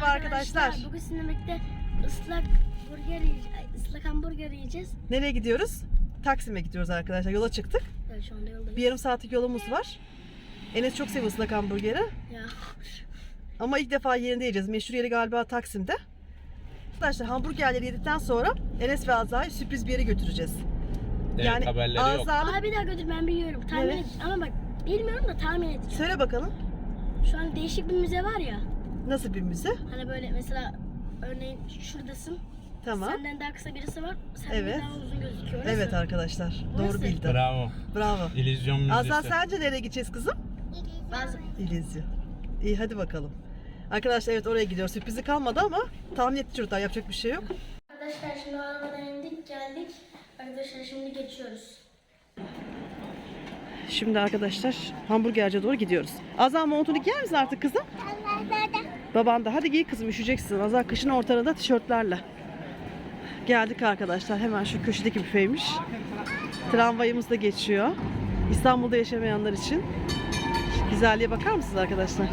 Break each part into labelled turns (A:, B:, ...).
A: Merhaba arkadaşlar.
B: Bugün sizinle birlikte ıslak hamburger yiyeceğiz.
A: Nereye gidiyoruz? Taksim'e gidiyoruz arkadaşlar. Yola çıktık.
B: Evet, şu anda yoldayız.
A: Bir yarım saatlik yolumuz var. Enes çok seviyor ıslak hamburgeri.
B: Ya.
A: Ama ilk defa yerinde yiyeceğiz. Meşhur yeri galiba Taksim'de. Arkadaşlar hamburgerleri yedikten sonra Enes ve Azra'yı sürpriz bir yere götüreceğiz.
C: Evet,
A: Yani
C: haberleri yok.
A: Azra'nın...
B: Abi bir daha götür, ben biliyorum. Tahmin
A: Evet.
B: et. Ama bak bilmiyorum da tahmin edeceğim.
A: Söyle bakalım.
B: Şu an değişik bir müze var ya.
A: Nasıl bir müze?
B: Hani böyle mesela örneğin şuradasın.
A: Tamam.
B: Senden daha kısa birisi var. Sen
A: Evet.
B: daha uzun gözüküyor. Orası.
A: Evet arkadaşlar.
B: Orası.
A: Doğru bildin.
C: Bravo.
A: Bravo.
C: İllüzyon müzesi.
A: Azra sence nereye gideceğiz kızım?
B: Bazı...
A: İllüzyon. İyi hadi bakalım. Arkadaşlar evet oraya gidiyoruz. Sürprizi kalmadı ama tahmin etti çocuklar. Yapacak bir şey yok.
B: Arkadaşlar şimdi arabadan indik geldik. Arkadaşlar şimdi geçiyoruz.
A: Şimdi arkadaşlar hamburgerciye doğru gidiyoruz. Azra montunu giyer misin artık kızım? Baban da hadi giy kızım, üşüyeceksin. Azra kışın ortalarında tişörtlerle. Geldik arkadaşlar, hemen şu köşedeki büfeymiş. Tramvayımız da geçiyor. İstanbul'da yaşamayanlar için. Şu güzelliğe bakar mısınız arkadaşlar?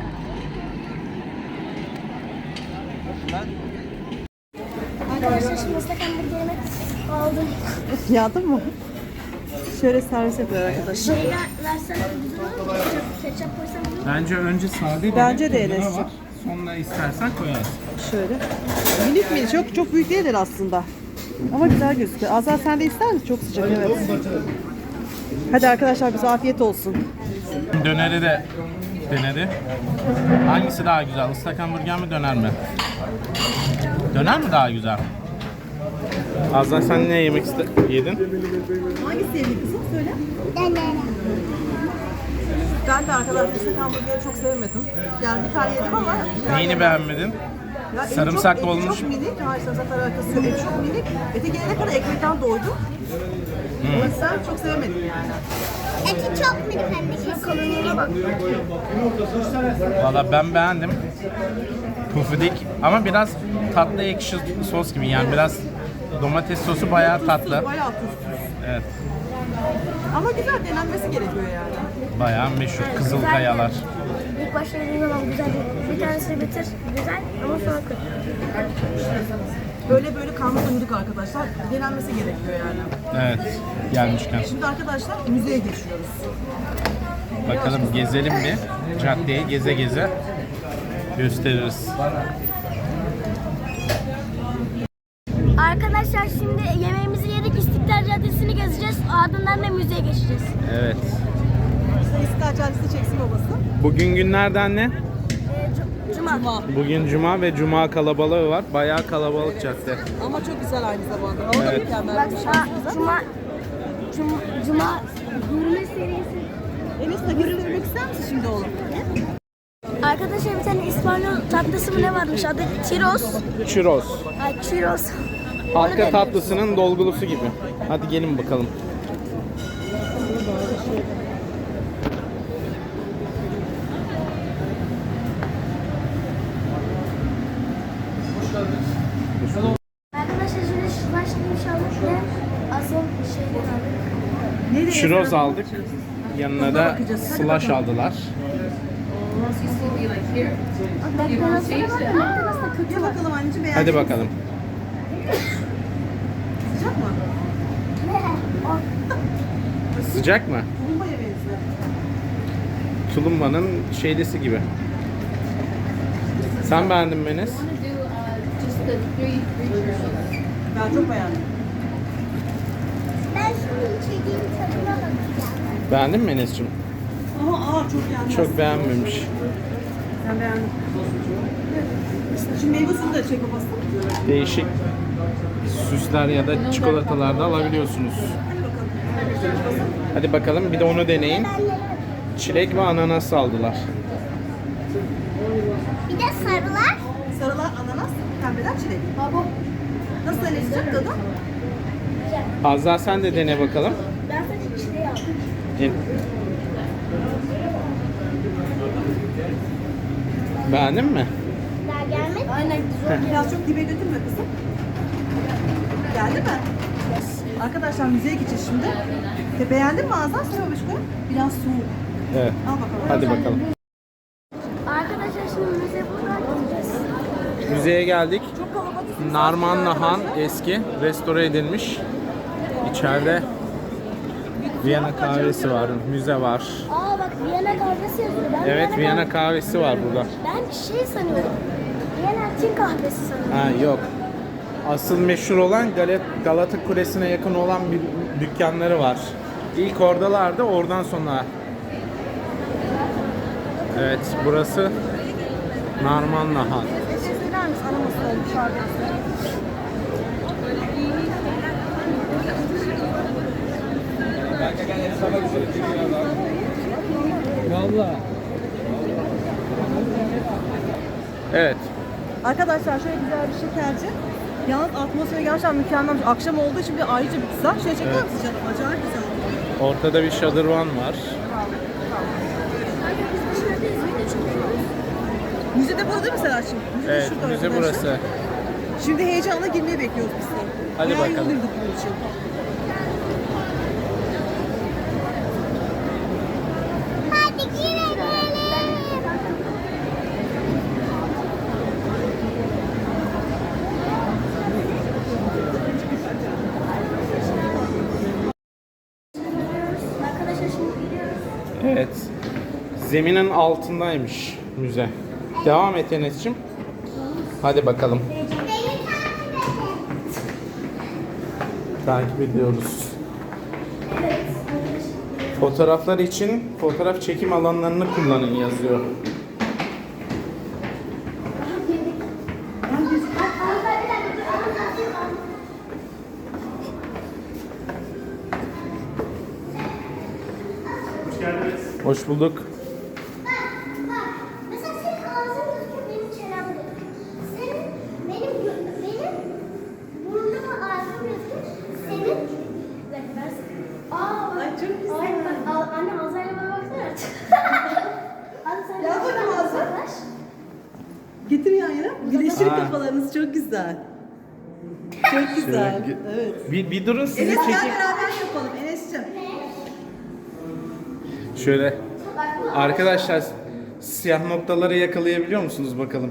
B: Arkadaşlar şimdi ıslak hamburgerimi aldım.
A: Yağdın mı? Şöyle servis yapıyor arkadaşlar.
B: Şeyler versene güzel olur mu? Ketçap koysam olur mu?
C: Bence önce sade
A: Bence de
C: tadına
A: Enes'cim.
C: bak. Sonra istersen koyarsın.
A: Şöyle. Minik minik, çok büyük değiller aslında. Ama güzel gözüküyor. Azra sen de ister misin? Çok sıcak evet. Hadi arkadaşlar bize afiyet olsun.
C: Döneri de denedi. Hangisi daha güzel? Islak hamburger mi döner mi? Döner mi daha güzel? Azra sen ne yemek yedin?
A: Hangisi yedin kızım? Söyle. Ben de arkadaşlar ıslak hamburgeri çok sevemedim. Yani bir tane yedim ama...
C: Neyini beğenmedin?
A: Ya eti
C: Sarımsaklı
A: eti
C: olmuş.
A: Çok minik. Hayır sarımsakla alakası yok. Eti çok minik. Ete gelene kadar ekmekten doydum. O yüzden çok sevemedim yani.
B: Eti çok minik anne. Kalınlığına bak.
C: Valla ben beğendim. Pufidik ama biraz tatlı ekşi sos gibi, yani biraz domates sosu bayağı tatlı.
A: Bayağı tuzsuz.
C: Evet,
A: Ama güzel, denenmesi gerekiyor yani.
C: bayağı meşhur Kızılkayalar.
B: İlk başta yediğim zaman güzel. Bir tanesini bitir. Güzel ama sonra kötü.
A: Böyle karnımız doyurduk arkadaşlar. Denenmesi gerekiyor yani.
C: Evet, gelmişken.
A: Şimdi arkadaşlar müzeye geçiyoruz.
C: Bakalım gezelim bir. Caddeyi geze geze gösteririz.
B: Arkadaşlar şimdi yemeğimizi yedik. İstiklal Caddesi'ni gezeceğiz. Ardından da müzeye geçeceğiz.
C: Evet.
A: İstiklal Caddesi çeksin babası.
C: Bugün günlerden ne?
B: Cuma.
C: Bugün cuma ve cuma kalabalığı var. Bayağı kalabalık cadde.
A: Ama çok güzel aynı zamanda. Hava da
C: Evet.
A: mükemmel.
B: Bak Cuma yürüme serisi.
A: Enes de görünmek ister misin şimdi oğlum?
B: Arkadaşlar bir tane İspanyol tatlısı mı ne varmış? Adı Churros.
C: Churros.
B: Ay Churros.
C: Halka tatlısının dolgulusu gibi. Hadi gelin bakalım.
B: Arkadaşlar şimdi şu başlayayım inşallah ve asıl şeyleri aldık.
C: Churros aldık. Yanına da slash aldılar.
A: Gel bakalım anneciğim, beğendin
C: Hadi
A: mi?
C: bakalım.
A: Sıcak mı?
C: Sıcak mı?
A: Bombaya benziyor.
C: Tulumbanın şeydesi gibi. Sen beğendin mi Enes?
A: Ben çok beğendim.
B: Ben şimdi içeceğim tadına bakacağım.
C: Beğendin mi Enes'cim?
A: Ama ağır çok yani.
C: Çok beğenmemiş.
A: Ben beğendim. Şimdi meyve suyu da çek babası.
C: Değişik süsler ya da çikolatalar da alabiliyorsunuz. Hadi bakalım bir de onu deneyin. Çilek ve ananas aldılar.
B: Bir de sarılar.
A: Sarılar ananas, pembeler çilek. Baba. Nasıl Enes'cim tadı?
C: Azra sen de dene bakalım.
B: Ben sadece çileği aldım.
C: Beğendin mi?
B: Daha gelmedi. Aynen.
A: Biraz çok dibe götürme kızım. Geldi mi? Arkadaşlar müzeye gideceğiz şimdi. Beğendin mi Azam? Sen babişko? Biraz soğuk.
C: Evet.
A: Al bakalım.
C: Hadi bakalım.
B: Arkadaşlar şimdi müzeye buradan gideceğiz.
C: Müzeye geldik. Narmanlı Han eski, restore edilmiş. İçeride Viyana kahvesi var, müze var.
B: Aa bak Viyana kahvesi yazıyor.
C: Evet, Viyana kahvesi var burada.
B: Ben şey sanıyorum. Viyana Çin kahvesi sanıyorum.
C: Ha yok. Asıl meşhur olan Galata Kulesi'ne yakın olan bir dükkanları var. İlk oradalardı, oradan sonra. Evet, burası Narmanlı Han. Evet.
A: Arkadaşlar şöyle güzel bir şekerci. Yalnız atmosferi gerçekten mükemmel. Akşam olduğu için bir ayrıca bir güzel. Şöyle çeker
C: Evet.
A: misin canım? Acayip güzel.
C: Ortada bir şadırvan var.
A: Müze de burada değil mi Serhat'cığım? Müze de
C: Evet,
A: şurada
C: müze
A: arkadaşlar.
C: burası.
A: Şimdi heyecanla girmeyi bekliyoruz biz de.
C: Hadi
A: Bayağı
C: bakalım.
A: yorulduk bunun için.
B: Hadi girelim. Arkadaşlar şimdi gidiyoruz.
C: Evet. Zeminin altındaymış müze. Devam et Enes'cim. Hadi bakalım. Takip ediyoruz. Fotoğraflar için fotoğraf çekim alanlarını kullanın yazıyor. Hoş bulduk.
B: Mesela senin ağzın gözüküyor, benim çenem gözüküyor. Senin, benim burnum ve ağzım gözüküyor. Senin,
A: Ay, çok güzel.
B: Ay, anne ağzıyla bana baksana. Anne sen
A: Gel bakalım
B: şuradan
A: ağzına.
B: uzaklaş.
A: Getir yan yana. Birleştirin
C: Aa.
A: kafalarınızı. Çok güzel. Çok güzel.
C: Şöyle
A: Evet.
C: Bir durun sizi
A: Enes gel
C: çekeyim.
A: beraber yapalım Enes'ciğim.
C: Şöyle. Arkadaşlar siyah noktaları yakalayabiliyor musunuz bakalım?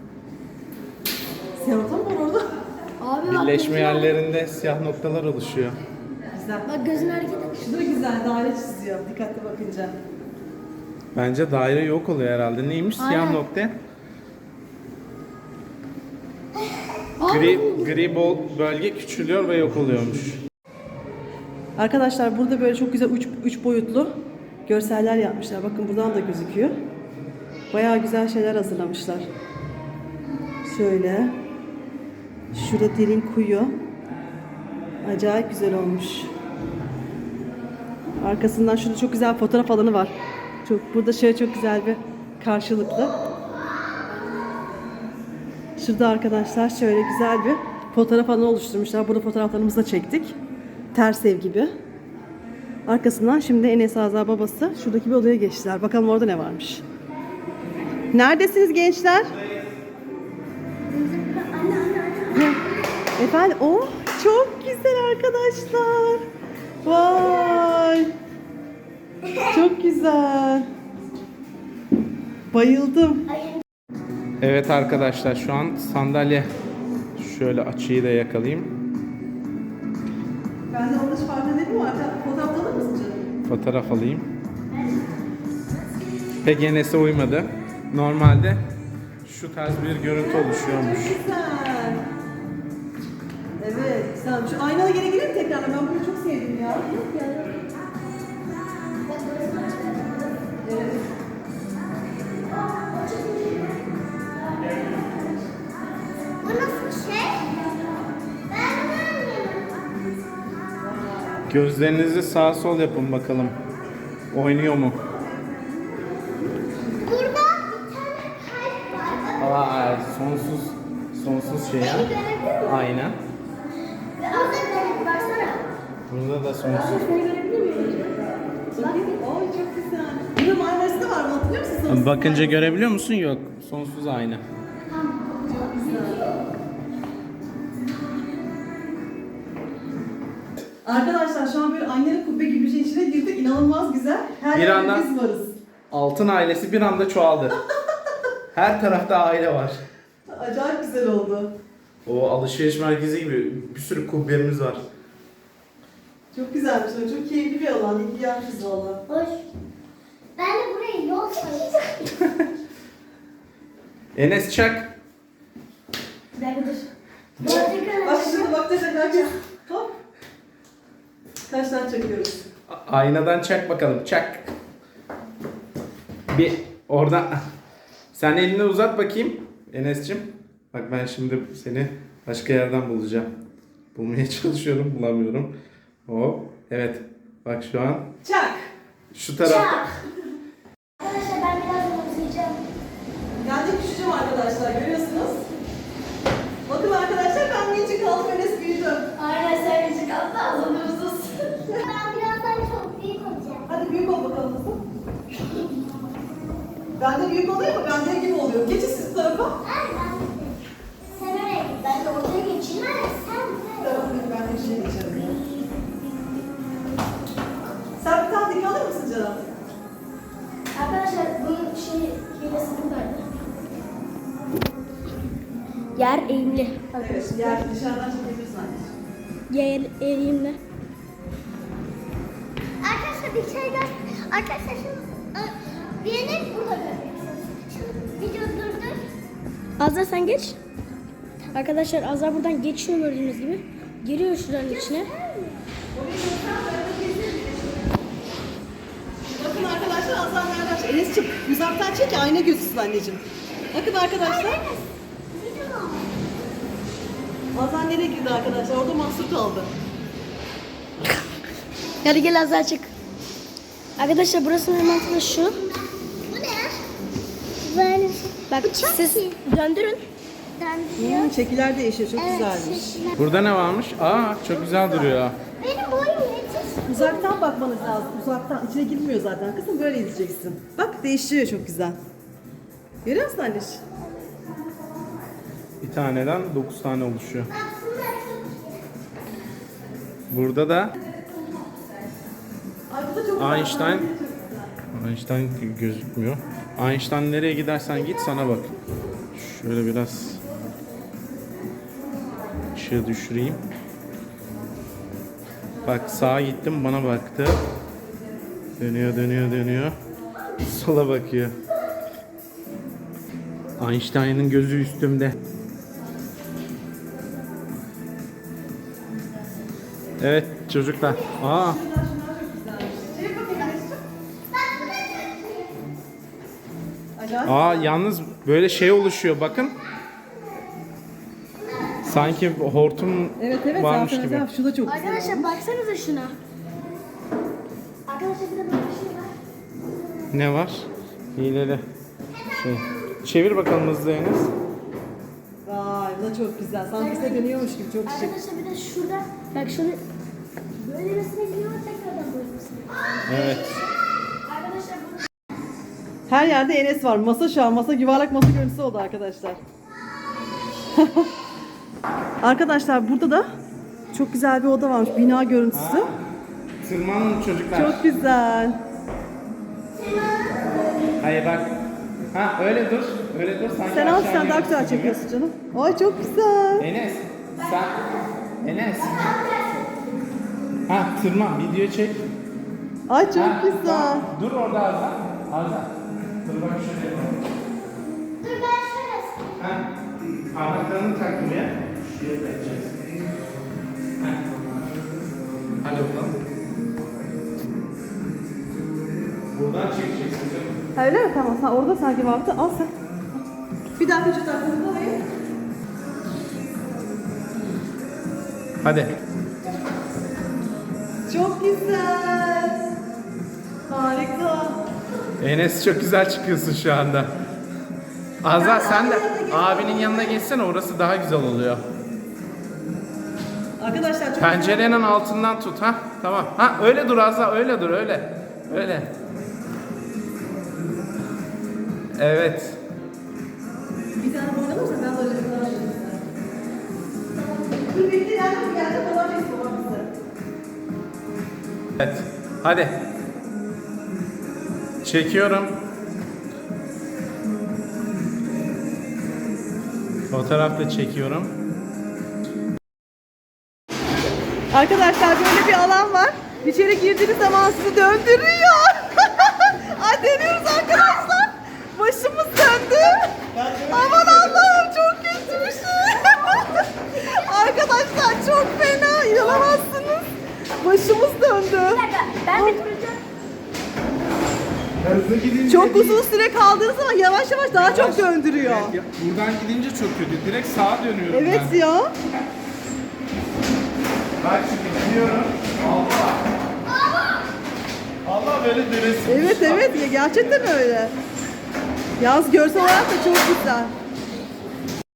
A: Siyah nokta mı var orada?
B: Abi bak.
C: Birleşme yerlerinde siyah noktalar oluşuyor.
A: Güzel.
B: Bak gözün hareket et.
A: Şu da güzel daire çiziyor dikkatli bakınca.
C: Bence daire yok oluyor herhalde. Neymiş siyah
B: Aynen.
C: nokta? Gri bölge küçülüyor ve yok oluyormuş.
A: Arkadaşlar burada böyle çok güzel üç boyutlu görseller yapmışlar. Bakın buradan da gözüküyor. Bayağı güzel şeyler hazırlamışlar. Şöyle. Şurada derin kuyu. Acayip güzel olmuş. Arkasından şurada çok güzel fotoğraf alanı var. Burada şöyle çok güzel bir karşılıklı. Şurada arkadaşlar şöyle güzel bir fotoğraf alanı oluşturmuşlar. Burada fotoğraflarımızı da çektik. Ters ev gibi. Arkasından şimdi Enes Azar babası şuradaki bir odaya geçtiler. Bakalım orada ne varmış. Neredesiniz gençler? Efendim, oh çok güzel arkadaşlar. Vay. Çok güzel. Bayıldım.
C: Evet arkadaşlar şu an sandalye. Şöyle açıyı da yakalayayım.
A: Ben de orada hiç fark edelim mi? Fotoğraf alır mısın canım?
C: Fotoğraf alayım. Pek Enes'e uymadı. Normalde şu tarz bir görüntü oluşuyormuş.
A: Çok güzel. Evet. Sen şu aynalı geri gelir mi tekrar? Ben bunu çok sevdim ya. Yok ya. Evet.
B: Bu nasıl şey? Ben görmüyorum.
C: Gözlerinizi sağ sol yapın bakalım. Oynuyor mu?
B: Burada bir tane kalp var.
C: Aa, sonsuz şey ya.
B: Beni görebilir miyim?
C: Aynen.
B: Ve orada bir baksana.
C: Burada da sonsuz.
B: Seni görebilir miyim?
A: Oy çok güzel. Bunun Marmaris'te var mı? Hatırlıyor musun? Sonsuz
C: Bakınca
A: Marmaris?
C: görebiliyor musun? Yok. Sonsuz aynı.
A: Arkadaşlar şu an böyle aynalı kubbe gibi bir şeyin içine girdik. İnanılmaz güzel. Her
C: Bir
A: yerde
C: anda-
A: biz varız.
C: Altın ailesi bir anda çoğaldı. Her tarafta aile var.
A: Acayip güzel oldu.
C: O alışveriş merkezi gibi bir sürü kubbelerimiz var.
A: Çok güzelmiş. Çok keyifli bir alan. İyi ki yapmışız valla.
B: Hoş. Ben de buraya yol koyacağım.
C: Enes çak.
B: Bir dakika dur.
A: Bak şimdi bak da herkes. Hop. Kaç tane çekiyoruz?
C: Aynadan çak bakalım. Çak. Bir oradan. Sen elini uzat bakayım Enes'cim. Bak ben şimdi seni başka yerden bulacağım. Bulmaya çalışıyorum, bulamıyorum. Hop. Evet. Bak şu an
A: Çak.
C: şu tarafta.
B: Arkadaşlar ben biraz uzayacağım.
A: Ben de küçücüğüm arkadaşlar. Görüyorsunuz. Bakın arkadaşlar ben minicik kaldım. Enes büyüdüm.
B: Aynen sen küçük altı ağzınızız. Ben birazdan çok büyük olacağım.
A: Hadi büyük ol bakalım kızım. Ben de büyük olayım mı? Ben de gibi oluyorum. Geçin siz bu tarafa.
B: Aynen. Sen oraya git. Ben de oraya geçeyim. Aynen sen buraya.
A: Tamam, ben de içine geçerim. Sen bir tane dik alır mısın canım?
B: Arkadaşlar bunun hilesi buradaydı. Yer eğimli.
A: Evet, yer dışarıdan çekebilirsin anneciğim.
B: Yer eğimli. Arkadaşlar bir şey gör. Arkadaşlar şimdi birini burada görüyorsunuz. Şimdi video durdur.
D: Azra sen geç. Arkadaşlar Azra buradan geçiyor gördüğünüz gibi. Giriyor şuranın içine.
A: Bakın arkadaşlar Azam nereden? Enes'ciğim uzaktan çek ki ayna gözüksün anneciğim. Bakın arkadaşlar. Azam nereye girdi arkadaşlar? Orada mahsur kaldı.
D: Hadi gel Azra çık. Arkadaşlar burasının mantığı şu.
B: Bu ne? Böyle
D: Bak siz döndürün.
A: Şekiller değişiyor. Çok güzelmiş.
C: Burada ne varmış? Aa çok güzel duruyor.
B: Benim boyum yetişsin.
A: Uzaktan bakmanız lazım. Uzaktan. İçine girmiyor zaten. Kızım böyle izleyeceksin. Bak değişiyor çok güzel. Görüyor musun anneciğim?
C: Bir taneden 9 tane oluşuyor.
B: Aslında
C: Burada da
A: Ay bu da çok güzel.
C: Einstein. Einstein gözükmüyor. Einstein nereye gidersen git sana bak. Şöyle biraz ışığı düşüreyim. Bak sağa gittim bana baktı. Dönüyor dönüyor dönüyor. Sola bakıyor. Einstein'ın gözü üstümde. Evet çocuklar. Aa
A: Acayip.
C: yalnız böyle şey oluşuyor bakın. Sanki hortum
A: Evet evet
C: varmış
A: zaten
C: gibi.
A: mesela şu da çok güzel.
D: Arkadaşlar baksanıza şuna.
B: arkadaşlar bir de böyle bir şey var.
C: Ne var? Hileli. Şey. Çevir bakalım hızlı Enes.
A: Vay bu da çok güzel. Sanki size dönüyormuş gibi çok şık.
D: Arkadaşlar bir de şurada. Bak şunu böylemesine gidiyor tekrardan böylemesine.
C: Evet.
D: Arkadaşlar bunu
A: Her yerde Enes var. Masa şu an. Masa yuvarlak masa görüntüsü oldu arkadaşlar. Arkadaşlar burada da çok güzel bir oda varmış. Bina görüntüsü.
C: Tırmanın çocuklar.
A: Çok güzel.
C: Hayır bak. Ha öyle dur. Öyle dur. Sanki
A: Sen al
C: aşağı
A: sen daha
C: iniyorsun
A: güzel
C: gibi.
A: çekiyorsun canım. Ay çok güzel.
C: Enes. Sen. Enes. Ha tırman. Video çek.
A: Ay çok
C: Ha,
A: güzel.
C: tamam. Dur orada Azam. Azam. Dur bak şöyle yapalım.
B: Dur ben şöyle.
C: Ha. Parmaklarını tak buraya. Şuraya takacağız. Ha. Hadi bakalım. Buradan çekeceksin canım.
A: Ha, öyle mi? Tamam. Sen orada sanki vardı. Al sen. Bir dakika şu tarafını koyayım.
C: Hadi.
A: Çok güzel. Harika.
C: Enes çok güzel çıkıyorsun şu anda. Azra sen de abinin yanına geçsene orası daha güzel oluyor.
A: Arkadaşlar çok
C: Pencerenin altından tut ha. Tamam. Ha öyle dur Azra öyle dur öyle. Öyle. Evet.
A: Bir tane oynanırsa ben de öyle bir daha Dur bekle nereden gelecek olan bir var bize.
C: Evet. Hadi. Çekiyorum. Fotoğraf da çekiyorum.
A: Arkadaşlar böyle bir alan var. İçeri girdiğiniz zaman sizi döndürüyor. Ay dönüyoruz arkadaşlar. Başımız döndü. Aman Allah'ım çok kötü bir şey. Arkadaşlar çok fena, inanamazsınız. Başımız döndü.
B: Ben bir duracağım.
C: Hızlı gidince
A: Çok uzun süre kaldığınız zaman yavaş yavaş daha çok döndürüyor.
C: Buradan gidince çok kötü. Direkt sağa dönüyorum
A: Evet
C: ben.
A: ya.
C: Bak şimdi gidiyorum. Allah. Allah böyle dönesi.
A: Evet evet ya gerçekten öyle. Yaz görsel olarak da çok güzel.